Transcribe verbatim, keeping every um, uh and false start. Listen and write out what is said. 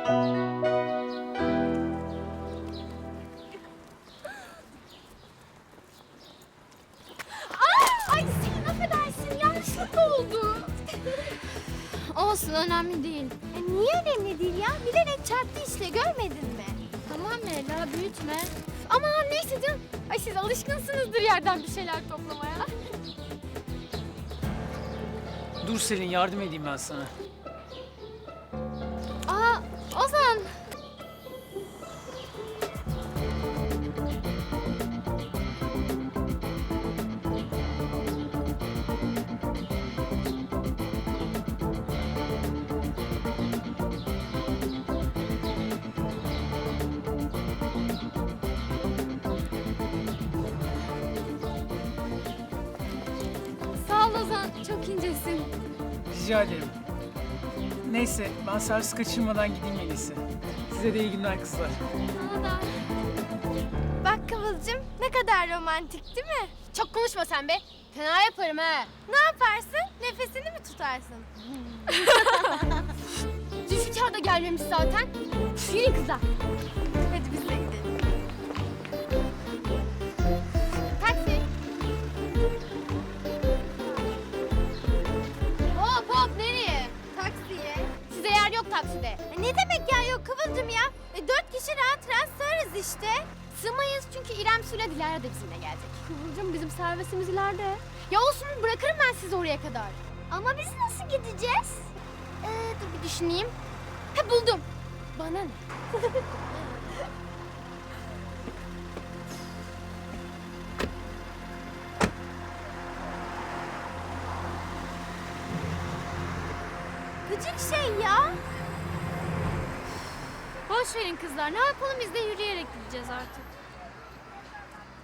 Ay Selin affedersin, yanlışlıkla oldu. Olsun, önemli değil. E, niye önemli değil ya? Bilerek çarptı işte, görmedin mi? Tamam Leyla, büyütme. Ama neyse canım. Ay siz alışkınsınızdır yerden bir şeyler toplamaya. Dur Selin, yardım edeyim ben sana. Aa, Ozan. Sağ ol Ozan, çok incesin. Rica ederim. Neyse, ben servis kaçırmadan gideyim en iyisi. Size de iyi günler kızlar. Sana da. Bak Kıvılcım, ne kadar romantik değil mi? Çok konuşma sen be. Fena yaparım ha. Ne yaparsın? Nefesini mi tutarsın? Zülfikar da gelmemiş zaten. Yürüyün kızlar. Hadi biz de gidelim. Taksi. Hop hop, nereye? Taksiye. Size yer yok takside. E, ne demek ya yok Kıvılcım ya? E, dört kişi rahat rahat sığarız işte. Sığmayız çünkü İrem Su'yla Dilara da bizimle gelecek. Kıvılcım, bizim servisimiz ileride. Ya olsun, bırakırım ben sizi oraya kadar. Ama biz nasıl gideceğiz? Ee, dur bir düşüneyim. Ha, buldum. Bana ne? Gıcık şey ya. Boş verin kızlar. Ne yapalım, biz de yürüyerek gideceğiz artık.